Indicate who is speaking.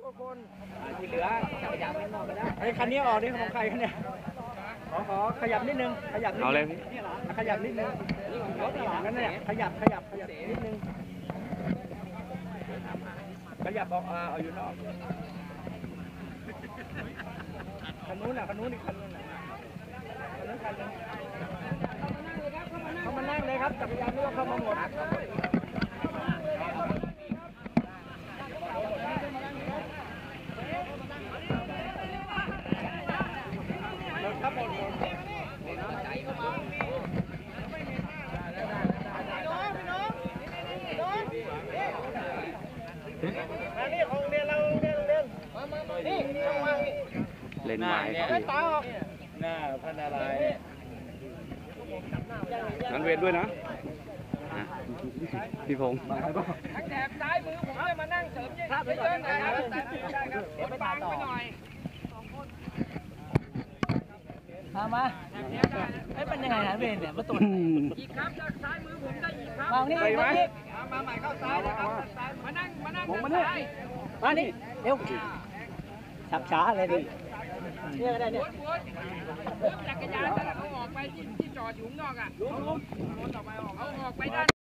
Speaker 1: กว่าคน
Speaker 2: ที่เหลือจักรยานไม่นอกไปแล้ว
Speaker 1: ไอ้คันนี้ออกนี่ของใครคันเนี่ยขอขยับนิดนึงขยับนิดนึง
Speaker 3: เอาเลย
Speaker 1: ขยับนิดนึงรถหลังนั่นเนี่ยขยับนิดนึงขยับออกเอาอยู่นอกคันนู้นอีกคันนู้นน่ะคันนึงเข้ามานั่งเลยครับจักรยานนี่ก็เข้ามาหมดครับหมดนี่ของเรียนเราเรียนนี่ช่องว่างนี่
Speaker 3: เล่นไม้
Speaker 1: ตาออกหน้าพันอะไร
Speaker 3: นั้นเวทด้วยนะพี่พงศ์
Speaker 2: ทั้งแถบซ้ายมือผมจะมานั่งเสริมเยอะๆหน่อยครับเดี๋ยวไปบังไปหน่อย
Speaker 1: มาไอ้เป็นยังไงนะเวนเนี่ยมาตุ่น
Speaker 2: อีกครับจากซ้ายมือผมได้อีกครับ
Speaker 1: มานี่มานี่
Speaker 2: มาใหม่เข้าซ้ายนะครับมานั่งซ้าย
Speaker 1: มานี่เร็วชักช้าเลยดิเนี่ยก็ได้เนี่ย
Speaker 2: วนจักรยานแล้วเขาออกไปที่จอดอยู่ข้างนอกอ่ะเอาออกไปด้าน